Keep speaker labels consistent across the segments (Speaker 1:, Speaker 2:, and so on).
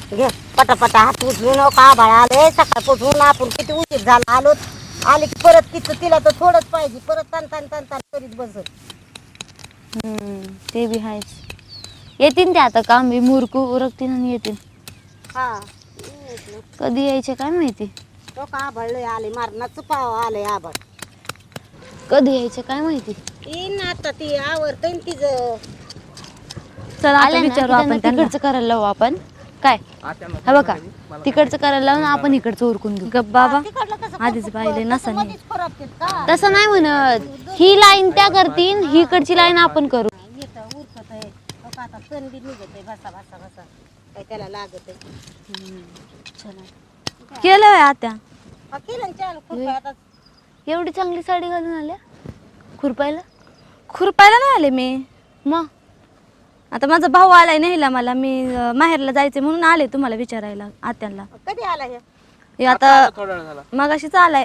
Speaker 1: घे पटापटा हात उचलू नका बाळा आले सकाळपासून आपण किती उशीर झाला आलो आले की परत किती तिला तर थोडंच पाहिजे परत तन तन तन तन करीत बसत.
Speaker 2: ते बी आहेच येतील ते आता काम बी मुरकू उरकतील आणि येतील.
Speaker 1: हा
Speaker 2: कधी यायचे काय माहिती.
Speaker 1: तो का आभाळले आले मारणाचं पाव आलंय आभाळ
Speaker 2: कधी यायचे काय माहिती.
Speaker 1: येईन आता ती आवडतं तिचं.
Speaker 2: चला आता विचारू आपण तिकडचं करायला लावू आपण काय हा बघा तिकडचं करायला लावून आपण इकडचं उरकून घेऊ. गप बाबा आधीच पाहिले नसा तसं नाही म्हणत ही लाईन त्या करतील ही इकडची लाईन आपण करू.
Speaker 1: उरकत आहे आता सण बी निघत आहे बसा बसा बसा काय त्याला लागत आहे.
Speaker 2: केलं आत्या
Speaker 1: केलं चाल खूप आता
Speaker 2: एवढी चांगली साडी घालून आल्या खुरपायला
Speaker 3: नाही आले मी.
Speaker 2: मग
Speaker 3: आता माझा भाऊ आलाय न्यायला मला मी माहेरला जायचे म्हणून आले तुम्हाला विचारायला आत्यांना.
Speaker 1: कधी आला
Speaker 3: हे आता मगाशीच आलाय.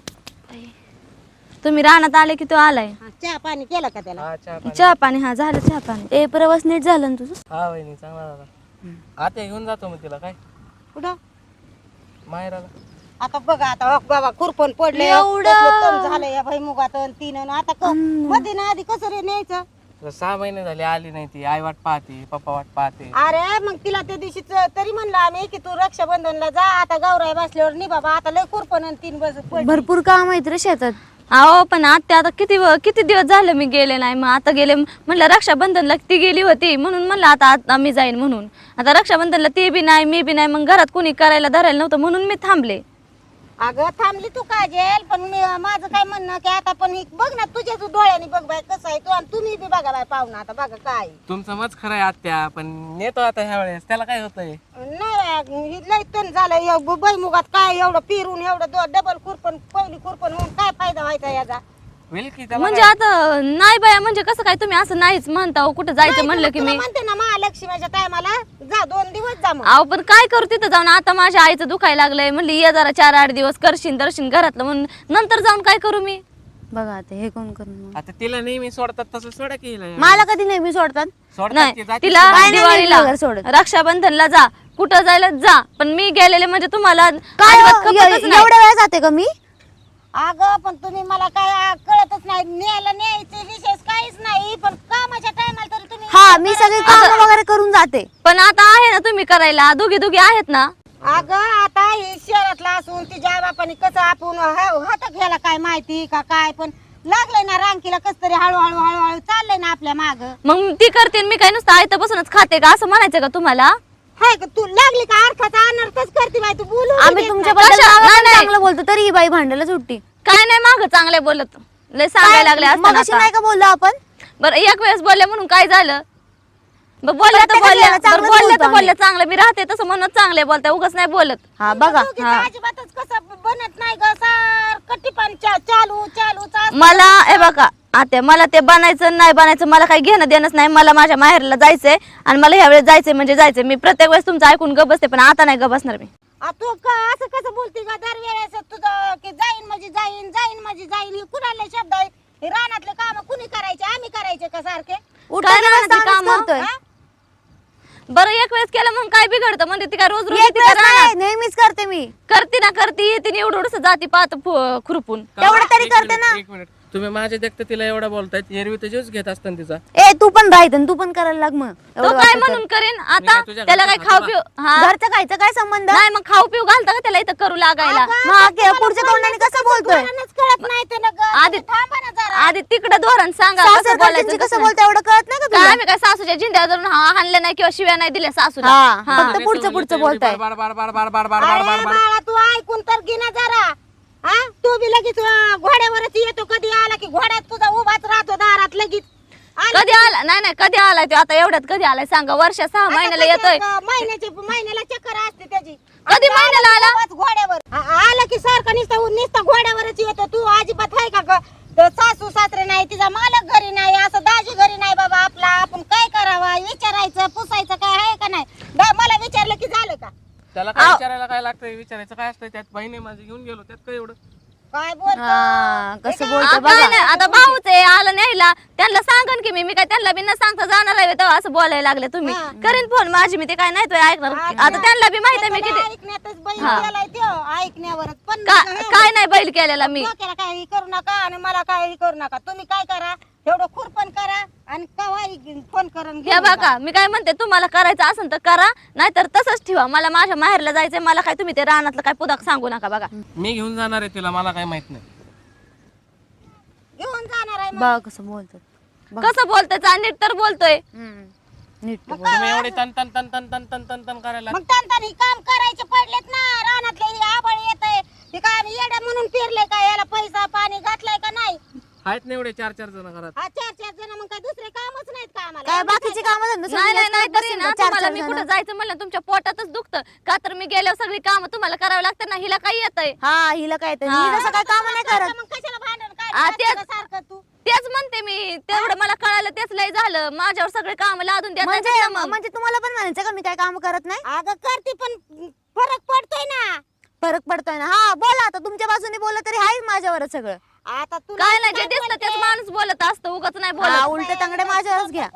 Speaker 3: तुम्ही रानात आले की तो आलाय.
Speaker 1: चहा पाणी केलं का त्याला.
Speaker 3: चहा पाणी हा झालं चहा पाणी. ए प्रवास नीट झालं ना तुझं.
Speaker 4: हा वहिनी चांगला झाला. आता घेऊन जातो मग तिला काय
Speaker 1: कुठं
Speaker 4: माहेराला.
Speaker 1: आता बघा आता बाबा खुरपण पडले झालं या भाई मुगात तीन आता मध्ये ना आधी कसं रे न्यायचं.
Speaker 4: 6 महिने झाले आली नाही ती. आई वाट पाहते पप्पा वाट पाहते.
Speaker 1: अरे मग तिला त्या दिवशी तरी म्हणलं आम्ही की तू रक्षाबंधनला जा आता गौराई बसल्यावर नि बाबा आता लय खुरपण 3 बस
Speaker 2: भरपूर काम आहेत रे शेतात.
Speaker 3: अहो पण आत्या आता किती दिवस झालं मी गेले नाही. मग आता गेले म्हणलं रक्षाबंधनला ती गेली होती म्हणून म्हणलं आता मी जाईन म्हणून. आता रक्षाबंधनला ती बी नाही मी बी नाही मग घरात कुणी करायला धरायला नव्हतं म्हणून मी थांबले.
Speaker 1: अगं थांबली तू काजेल पण माझं काय म्हणणं की आता पण बघ ना तुझ्या तू डोळ्याने बघ बाय कसं आहे तू आणि तुम्ही बी बघा बाय पाहुणा आता बघा काय.
Speaker 4: तुमचं मत खरं आहे आत्या पण नेतो आता ह्या वेळेस त्याला काय होतंय.
Speaker 1: नाही लय तण झालं बैमुगात काय एवढं पिरून एवढं डबल खुरपण पहिली खुरपण होऊन काय फायदा व्हायचा याचा.
Speaker 4: होईल की त्याला
Speaker 3: म्हणजे आता नाही बाया म्हणजे कसं काय तुम्ही असं नाहीच म्हणता हो, कुठं जायचं म्हणलं की मी
Speaker 1: म्हणते ना महालक्ष्मीच्या टायमाला जा 2 दिवस जा मग.
Speaker 3: अहो पण काय करू तिथं जाऊन आता माझ्या आईचं दुखायला लागलंय म्हणली ये जरा 4-8 दिवस करशील दर्शन घरातलं म्हणून नंतर जाऊन काय करू मी.
Speaker 2: बघा आता हे कोण करणार.
Speaker 4: आता तिला नेहमी सोडतात तसं सोडा की हिला.
Speaker 2: मला कधी नेहमी सोडतात.
Speaker 4: सोडतात की
Speaker 3: नाही
Speaker 4: जाती
Speaker 3: तिला
Speaker 2: नाही
Speaker 3: दिवाळीला
Speaker 2: वगैरे सोडत.
Speaker 3: रक्षाबंधनला जा कुठं जायला जा पण मी गेलेले म्हणजे तुम्हाला
Speaker 2: काय
Speaker 3: अजिबात खपतच नाही.
Speaker 2: एवढ्या वेळ जाते का मी.
Speaker 1: अगं पण तुम्ही मला काय कळतच नाही न्यायचे विशेष काहीच नाही पण कामाच्या टायमाला तरी तुम्ही
Speaker 2: हा मी सगळी काम वगैरे करून जाते.
Speaker 3: पण आता आहे ना तुम्ही करायला दोघी आहेत ना.
Speaker 1: अगं आता हे शहरातला असून तिच्या बापाने कसं आपण हातात घ्यायला काय माहिती का काय पण लागलंय ना रांकीला कस तरी हळूहळू हळूहळू चाललंय ना आपल्या माग.
Speaker 3: मग ती करते मी काय नुसतं आयतं बसूनच खाते का असं म्हणायचं का तुम्हाला.
Speaker 1: हाय का तू लागली का अर्थाचा अनर्थच करते बाई तू बोलू
Speaker 2: आम्ही तुमच्याबद्दल चांगलं बोलतो तरी ही बाई भांडायला सुट्टी.
Speaker 3: काय नाही माग चांगले बोलत लय सांगायला लागले
Speaker 2: मग अशी नाही का बोललो आपण.
Speaker 3: बरं एक वेळेस बोलले म्हणून काय झालं. बोलल्या तर बोलल्या चांगलं मी राहते तसं म्हणून चांगले बोलताय उगाच नाही बोलत.
Speaker 2: हा बघा
Speaker 1: अजिबातच कसं बनत नाही ग सारखं पण चालू चालू
Speaker 3: मला हे बघा आता मला ते बनायचं नाही बनायचं मला काही घेणं देणंच नाही. मला माझ्या माहेरला जायचंय आणि मला ह्या वेळेस जायचंय म्हणजे जायचंय. मी प्रत्येक वेळेस तुमचं ऐकून ग बसते पण आता नाही ग बसणार मी.
Speaker 1: तू असं कसं बोलते का दरवेळेस तुझं की जाईन म्हणजे जाईन जाईन म्हणजे जाईन ही कुणाला शब्द आहे. हे रानातले काम कुणी करायचे आम्ही करायचे का सारखे.
Speaker 3: काय रानातली कामं? बरं एक वेळेस केलं मग काय बिघडतं म्हणजे ती काय रोज
Speaker 2: नेहमीच करते मी.
Speaker 3: करते ना करते येते एवढं जाती पाहत खुरपून
Speaker 2: तेवढं तरी करते ना.
Speaker 4: 1 मिनिट तुम्ही माझ्या देखत तिला एवढा बोलतायत एरवी तर जीवच घेत असताना तिचा.
Speaker 2: ए तू पण राहत तू पण करायला लाग मग.
Speaker 3: तो काय म्हणून करेन आता त्याला काय खाऊ पिऊ
Speaker 2: घरचं खायचं काय संबंध
Speaker 3: नाही मग खाऊ पिऊ घालता का त्याला इथं करू लागायला.
Speaker 2: मग पुढच्या तोंडाने कसं बोलतोय.
Speaker 1: कळत नाही तर
Speaker 3: आधी
Speaker 1: थांबा ना जरा.
Speaker 3: आधी तिकडे धोरण सांगा कसं बोलायचं
Speaker 2: कसं बोलतोय एवढं कळत नाही का
Speaker 3: काय
Speaker 2: तुला.
Speaker 3: आम्ही काय सासूच्या जिंद्या धरून हाणले नाही किंवा शिव्या नाही दिल्या सासूला.
Speaker 2: हा फक्त पुढचं बोलताय.
Speaker 4: बार बार बार बार बार बार बार
Speaker 1: अरे
Speaker 4: बार बार
Speaker 1: बाळा तू ऐकून तर घे ना जरा. हा तू बी लगेच घोड्यावरच येतो कधी आला की घोड्यात तुझा उभाच राहतो दारात लगेच.
Speaker 3: कधी आला नाही कधी आलाय तो आता एवढ्यात कधी आलाय सांगा. वर्ष 6 महिन्याला येतोय.
Speaker 1: महिन्याला चक्कर असते त्याची.
Speaker 3: कधी महिन्याला आला
Speaker 1: घोड्यावर आला की सारखा नुसता घोड्यावरच येतो. तू अजिबात आहे का ग. सासू सासरे नाही तिचा मालक घरी नाही असं दाजी घरी नाही बाबा आपला आपण काय करावा विचारायचं पुसायचं काय आहे का नाही. मला विचारलं की झालं का.
Speaker 4: त्याला काय विचारायला काय लागतंय विचारायचं काय असतं त्यात बहिणी माझी घेऊन गेलो त्यात काय एवढं.
Speaker 1: काय बोलतो
Speaker 2: कसं बोलतो
Speaker 3: काय
Speaker 2: बघा.
Speaker 3: नाही आता भाऊच आहे आलं न्यायला त्यांना सांगन की मी काय त्यांना बी न सांगता जाणार आहे तेव्हा असं बोलायला लागले तुम्ही करीन फोन माझी मी ते काय नाही तो ऐकणार आता त्यांना बी माहित आहे मी किती
Speaker 1: ऐकण्यातच बैल केलाय त्यो ऐकण्यावरच पण
Speaker 3: काय नाही बैल केलेला मी
Speaker 1: डोक्याला काही करू नका आणि मला काही करू नका तुम्ही काय करा एवढं खुरपण करा आणि कवाही फोन करून
Speaker 3: हे बघा मी काय म्हणते तुम्हाला करायचं असेल तर करा नाहीतर तसंच ठेवा मला माझ्या माहेरला जायचंय मला काय तुम्ही ते रानातलं काय पुदाक सांगू नका बघा
Speaker 4: मी घेऊन जाणार आहे तिला मला काय माहित नाही
Speaker 1: घेऊन जाणार आहे
Speaker 2: बघा कसं बोलतात.
Speaker 3: कसं बोलतोय नीट तर बोलतोय
Speaker 2: नीट बोल.
Speaker 4: तुम्ही एवढे तन तन तन तन तन तन तन तन करायला
Speaker 1: मग त्यांनी काम करायचे पडलेत ना रानातले हे आबळ येतंय ते काय आम्ही येड्या म्हणून फिरले का याला पैसा पाणी घातलाय का नाही
Speaker 4: आहेत ना एवढे 4-4 जण घरात
Speaker 1: हा 4-4 जण मग काय दुसरे कामच नाहीत का आम्हाला
Speaker 2: काय बाकीची कामं धंदे
Speaker 3: नाही नाही नाही
Speaker 2: सोडून
Speaker 3: तरी ना
Speaker 2: बसून
Speaker 3: तुम्हाला
Speaker 2: चार
Speaker 3: मी
Speaker 2: जण.
Speaker 3: कुठं जायचं म्हणलं तुमच्या पोटातच दुखतं का तर मी गेल्यावर सगळी कामं तुम्हाला करावं लागतं ना हिला काही येतंय
Speaker 2: हा हिला काय येतं? मी जसं काय काम नाही करत.
Speaker 1: मग कशाला भांडण
Speaker 3: आ,
Speaker 1: काय
Speaker 3: तेच-
Speaker 1: सारखं तू
Speaker 3: तेच म्हणते मी तेवढं मला कळालं तेच लय झालं माझ्यावर सगळे काम लादून द्या
Speaker 2: म्हणजे तुम्हाला पण म्हणायचं का मी काय काम करत नाही?
Speaker 1: अगं करते पण फरक पडतोय ना
Speaker 2: फरक पडतोय ना. हा बोला आता तुमच्या बाजूने बोला तरी आहे माझ्यावरच सगळं.
Speaker 1: आता तू
Speaker 3: काय नाही जे दिसतं तेच माणूस बोलत असतं उगाच नाही
Speaker 2: हा,
Speaker 3: बोलत
Speaker 2: उलटे तांगडे माझ्यावरच घ्या.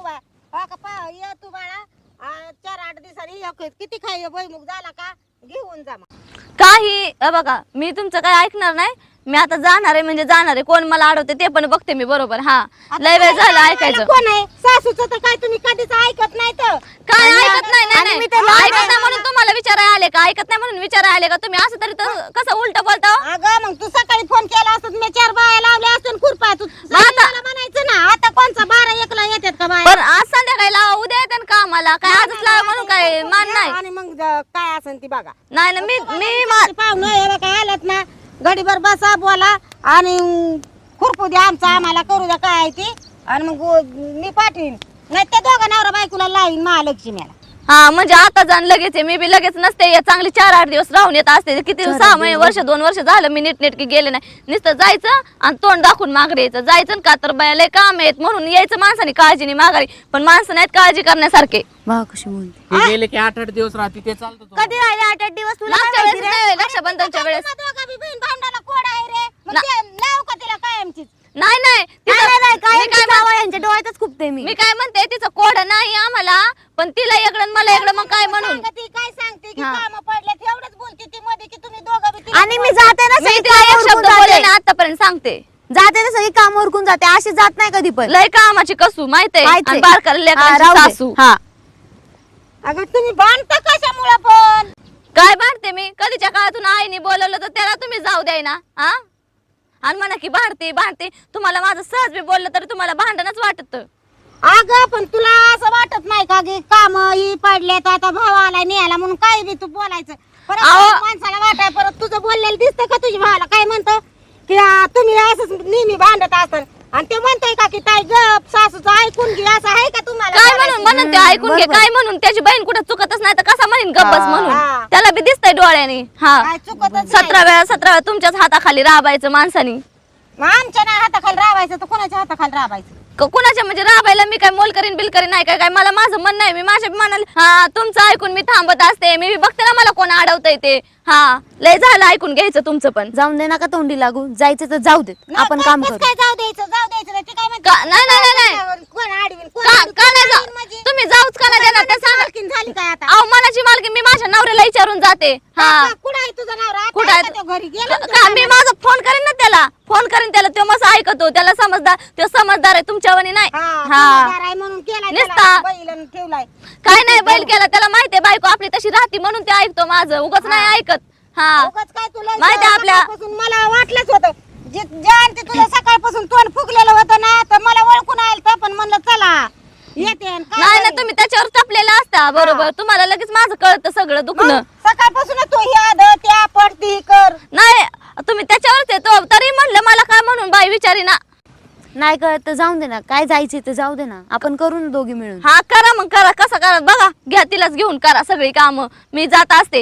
Speaker 1: ये तू बाळा 4-8 दिवसांनी किती खाय भुईमुग झाला का घेऊन जा मग.
Speaker 3: काही बघा मी तुमचं काय ऐकणार नाही मी आता जाणार आहे म्हणजे जाणार आहे कोण मला अडवते ते पण बघते मी बरोबर हा लय वेळ झालं ऐकायचं
Speaker 1: कोण आहे सासूचं तर काय तुम्ही कधीच ऐकत नाही तर
Speaker 3: काय ऐकत नाही नाही,
Speaker 2: आणि
Speaker 3: नाही
Speaker 2: मी तर लहान
Speaker 3: ऐकत नाही म्हणून तुम्हाला विचारायला आले का ऐकत नाही म्हणून विचारायला आले का तुम्ही असं तरी तर कसं उलट बोलता हो?
Speaker 1: अगं मग तू सकाळी फोन केला असत मी 4 बाया लावल्या असत्या खुरपा तू मला म्हणायचं ना आता कोणचा 12-1 येतात का बाया
Speaker 3: पण आज संध्याकाळी लावा उद्या येतात का आम्हाला काय आजच लावा म्हणून काय मान नाही
Speaker 1: आणि मग काय असेल ती बघा
Speaker 3: नाही ना मी
Speaker 1: पाहुणं काय आलं ना गडीभर बसा बोला आणि खुरपू द्या आमचं आम्हाला करू द्या काय आहे ती आणि मग मी पाठवीन नाही त्या दोघा नवरा बायकोला लावीन महालक्ष्मीला
Speaker 3: हा म्हणजे आता जाण लगेच आहे. मी बी लगेच नसते येत. चांगली 4-8 दिवस राहून येत असते किती 6 महिने वर्ष 2 वर्ष झालं मी नीटनेटकी गेले नाही नुसतं जायचं आणि तोंड दाखवून माघारी यायचं जायचं का तर बाया लय काम आहेत म्हणून यायचं माणसाने काळजीने माघारी पण माणसं नाहीत काळजी करण्यासारखे
Speaker 2: बघा कशी बोलते.
Speaker 4: हे गेले की 8-8 दिवस राहते ते चालतं तुम्हाला.
Speaker 2: कधी राहिले 8-8 दिवस तुला
Speaker 3: मागच्या
Speaker 2: काय
Speaker 3: वेळेस
Speaker 2: माहिती रे?
Speaker 3: नाही, रक्षाबंधनच्या वेळेस
Speaker 1: दोघा बी बहीण भांडायला कोड आहे रे मग ते लाव का तिला कायमचीच
Speaker 3: नाही नाही तिचं-
Speaker 2: नाही, नाही, काय
Speaker 3: मी काय
Speaker 2: जावं यांच्या डोळ्यातच खूपते मी.
Speaker 3: मी काय म्हणते तिचं कोड नाही आम्हाला पण तिला एकडं आणि मला एकडं मग काय म्हणून
Speaker 1: ती काय सांगते की काम पडल्यात एवढंच बोलते ती मध्ये की तुम्ही दोघं बी तिला
Speaker 2: आणि मी जाते ना
Speaker 3: मी
Speaker 2: सगळी
Speaker 3: तिला एक
Speaker 2: कामं
Speaker 3: शब्द
Speaker 2: उरकून
Speaker 3: बोलले
Speaker 2: जाते.
Speaker 3: ना आतापर्यंत सांगते
Speaker 2: जाते ना सगळी काम उरकून जाते अशी जात नाही कधी पण.
Speaker 3: लय कामाची कसू माहितीये
Speaker 2: माहितीये.
Speaker 3: आणि बारकाला
Speaker 2: हा,
Speaker 3: लेकरांची
Speaker 2: राहू दे.
Speaker 3: सासू
Speaker 2: हा.
Speaker 1: अगं तुम्ही बांधता कशामुळं पण
Speaker 3: काय भांडते मी कधीच्या काळातून आईने बोलवलं तर त्याला तुम्ही जाऊ द्याय ना हा आणि म्हणा की भांडते तुम्हाला माझं सहज बी बोललं तरी तुम्हाला भांडणच वाटत
Speaker 1: अगं पण तुला असं वाटत नाही का की काम ही पडल्यात आता भाव आलाय न्यायला म्हणून काय बी तू बोलायचं परत
Speaker 3: अहो.
Speaker 1: माणसाला वाटाय परत तुझं बोललेलं दिसतं का तुझ्या भावाला काय म्हणतं की तुम्ही असंच नेहमी भांडत असाल आणि ते म्हणतोय का की ताई गप सासूचं ऐकून घे असं आहे का तुम्हाला
Speaker 3: काय
Speaker 1: बोलायचं?
Speaker 3: म्हणून ते ऐकून घे काय म्हणून त्याची बहीण कुठं चुकतच नाही तर कसा म्हणेन गप्पच म्हणून
Speaker 1: हा.
Speaker 3: त्याला बी दिसतंय डोळ्याने हा
Speaker 1: काय चुकतच नाही.
Speaker 3: 17 वेळा तुमच्याच हाताखाली राबायचं माणसानी
Speaker 1: मग आमच्या नाही हाताखाली राबायचं तर कोणाच्या हाताखाली राबायचं
Speaker 3: कुणाच्या म्हणजे राबायला मी काय मोल करीन बिल करीन नाही काय मला माझं मन नाही मी माझ्या मनाला हा तुमचं ऐकून मी थांबत असते मी बघते ना मला कोण अडवतंय ते हा लय झालं ऐकून घ्यायचं तुमचं पण
Speaker 2: जाऊन दे नका तोंडी लागू जायचं तर जाऊ देत आपण काम
Speaker 1: कसं
Speaker 2: करू.
Speaker 1: काय जाऊ द्यायचं नाही ती काय म्हणते
Speaker 3: नाही नाही नाही नाही
Speaker 1: कोण आडवीन कोण
Speaker 3: का
Speaker 1: आडवीन,
Speaker 3: का
Speaker 1: कोण
Speaker 3: नाही
Speaker 1: आडवीन
Speaker 3: जाऊ
Speaker 1: म्हणजे?
Speaker 3: तुम्ही जाऊच का नाही देणार ते सांगा
Speaker 1: मालकीण झाली काय आता
Speaker 3: अहो मनाची मालकी मी माझ्या नवऱ्याला विचारून जाते हा
Speaker 1: कुठं आहे तुझा नवरा आता
Speaker 3: कुठं
Speaker 1: आहे
Speaker 3: आहे?
Speaker 1: का तो घरी गेला ना
Speaker 3: का मी माझा फोन करीन ना त्याला फोन करीन त्याला तो मस्त ऐकतो त्याला समजदार आहे तुमच्यावानी नाही हा
Speaker 1: समजदार आहे म्हणून केलाय
Speaker 3: निस्ता.
Speaker 1: त्याला बैलन ठेवलाय
Speaker 3: काय नाही बैल केला त्याला माहितीये बायको आपली तशी राहते म्हणून ते ऐकतो माझं उगाच नाही ऐकत हा
Speaker 1: उगाच काय तुला
Speaker 3: माहिती आहे आपल्या-
Speaker 1: सकाळपासून मला वाटलंच होतं ज्यान ते तुला सकाळपासून तोंड फुगलेलं होतं ना तर मला ओळखून आलं पण म्हणलं चला येते आणि काय
Speaker 3: नाही ना
Speaker 1: करीन?
Speaker 3: तुम्ही त्याच्यावर टपलेला असता बरोबर तुम्हाला लगेच माझं कळतं सगळं दुखणं
Speaker 1: मग सकाळपासून तू ह्या त्या पडती कर
Speaker 3: नाही तुम्ही त्याच्यावरच येतो तरी म्हणलं मला काय म्हणून बाई विचारी ना
Speaker 2: नाही कळत तर जाऊन दे ना काय जायचे तर जाऊ दे ना आपण करू ना दोघी मिळून.
Speaker 3: हा करा मग करा कसं करा बघा घ्या तिलाच घेऊन करा सगळी कामं मी जात असते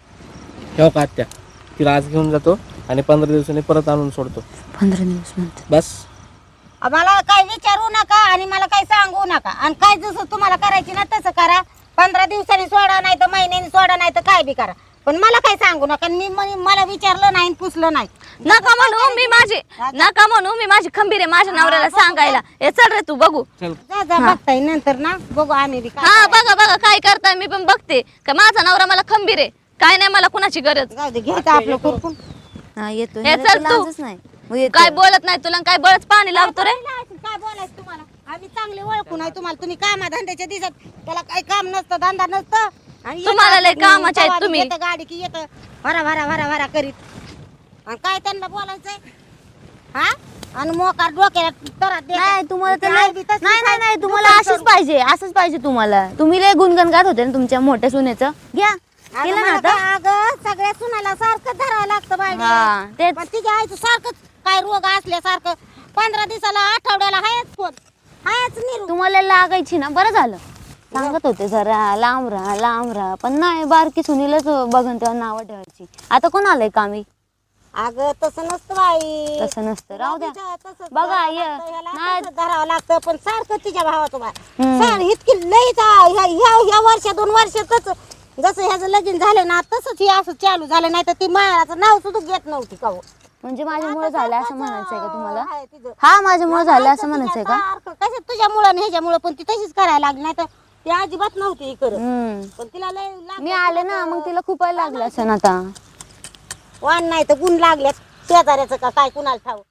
Speaker 4: ठेव का आत्या तिला आज घेऊन जातो आणि 15 दिवसांनी परत आणून सोडतो
Speaker 2: 15 दिवस म्हणते.
Speaker 4: बस
Speaker 1: मला काय विचारू नका आणि मला काय सांगू नका आणि काय जसं तुम्हाला करायची ना तसं करा 15 दिवसांनी सोडा नाही तर महिन्यानी सोडा नाही तर काय बी करा पण मला काय सांगू नका. मला विचारलं नाही पुसलं नाही.
Speaker 3: नका म्हणू मी माझी खंबीर आहे माझ्या नवऱ्याला सांगायला. हे चल रे तू बघू.
Speaker 4: चल
Speaker 1: जा बघताय नंतर ना बघू आम्ही बी काय
Speaker 3: हा बघा काय करताय मी पण बघते का माझा नवरा मला खंबीर आहे. काय नाही मला कुणाची गरज.
Speaker 1: जाऊ दे घ्यायचं आपलं कुरकून.
Speaker 2: हा येतो
Speaker 3: हे चल तू.
Speaker 2: नाही मग येतो.
Speaker 3: काय बोलत नाही तुला काय बळच पाणी लावतो रे.
Speaker 1: काय बोलायचं तुम्हाला. आम्ही चांगले ओळखू नाही तुम्हाला. तुम्ही कामा धंद्याच्या दिसत त्याला काही काम नसतं धंदा नसतं. आणि
Speaker 3: तुम्हाला लय कामाचे आहेत तुम्ही.
Speaker 1: येतं गाडी की येतं भरा करीत. आणि काय त्यांना बोलायचंय हा. आणि मोकार डोक्याला तरात देतात.
Speaker 2: नाही तुम्हाला तर
Speaker 1: आई बी तसली
Speaker 2: नाही
Speaker 1: काय
Speaker 2: तुम्हाला
Speaker 1: दुकान
Speaker 2: असंच पाहिजे तुम्हाला. तुम्ही लय गुणगण गात होते ना तुमच्या मोठ्या सुनेचं. घ्या
Speaker 1: अगं
Speaker 2: केलं ना
Speaker 1: मला
Speaker 2: आता.
Speaker 1: काय अगं सगळ्या सुनाला सारखं धरावं लागतं
Speaker 2: हा,
Speaker 1: बाई.
Speaker 2: तेच.
Speaker 1: पण तिच्या आईचं सारखंच काय रोग असल्यासारखं 15 दिवसाला आठवड्याला हायच कोण हायच निरू.
Speaker 2: तुम्हाला लागायची ना बरं झालं. सांगत होते जरा लांब राहा पण नाही बारकी सुनीलाच बघन तेव्हा नावं ठेवायची. आता कोण आलंय कामी.
Speaker 1: अगं तसं नसतं बाई.
Speaker 2: तसं नसतं राहू द्या.
Speaker 1: तसंच
Speaker 2: बघा,
Speaker 1: धरावं
Speaker 2: ये.
Speaker 1: लागतं, ह्याला
Speaker 2: नाही.
Speaker 1: तसंच धरावं लागतं. पण सारखं तिच्या भावाचं बाय
Speaker 2: हम्म.
Speaker 1: सर इतकी लईच ह्या वर्ष 2 वर्षातच जसं ह्याचं लगीन झालं ना तसंच हे असं चालू झालं. नाही तर ती मायाचं नाव सुद्धा घेत नव्हती का हो.
Speaker 2: म्हणजे माझ्यामुळे झालं असं म्हणायचंय का तुम्हाला.
Speaker 1: आहे तिचं.
Speaker 2: हा माझ्यामुळे झालं असं म्हणायचंय का.
Speaker 1: कसं तुझ्यामुळं आणि ह्याच्यामुळं पण ती तशीच करायला लागली. नाही तर ती अजिबात नव्हती हे करत.
Speaker 2: हम्म.
Speaker 1: पण तिला लय लागलं.
Speaker 2: मी आले ना मग तिला खूप लागलं असं आता.
Speaker 1: वाण नाही तर गुण लागल्यात शेजाऱ्याचं का काय कुणाला ठाऊ.